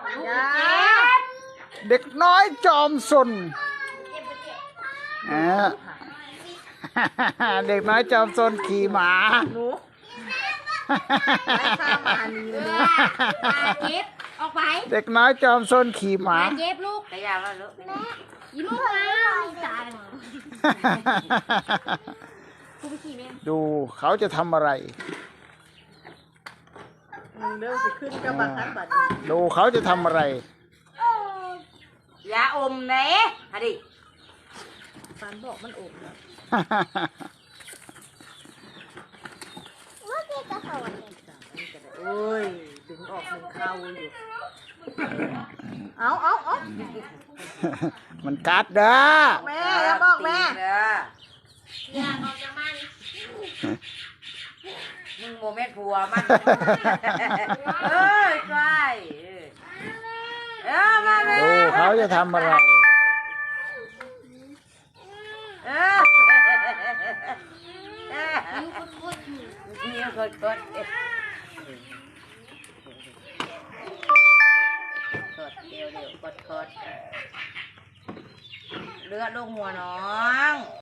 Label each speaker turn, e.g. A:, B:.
A: เด็กน้อยจอมซนเด็กน้อยจอมซนขี่หมา
B: หนูไม่ข้ามมานี่เลย
C: เจ็บออกไป
A: เด็กน้อยจอมซนขี่หมา
C: เจ็บลูก
B: แต่ยาวแล้วลูก
C: ยิ้มลูกแล้วตาย
A: ดูเขาจะทำอะไร
B: เรื่องสิขึ้นกับบัตรบัตร
A: ดูเขาจะทำอะไร
B: ยาอมเน่ฮะดิฟันบอกมันอมแล้วโอ้ยดึงออกดึงเข้าอยู่เอา
A: มันกัดเด้อ
B: แม่อย่าบอกแม่
C: อย่าออกจากบ้าน
B: มึงโมเมนต์ผัวมันเอ้ยใกล้มาแม่
A: ดูเขาจะทำอะไร
B: นิ้วกดเดี๋ยวกดเลือดลงหัวน้อง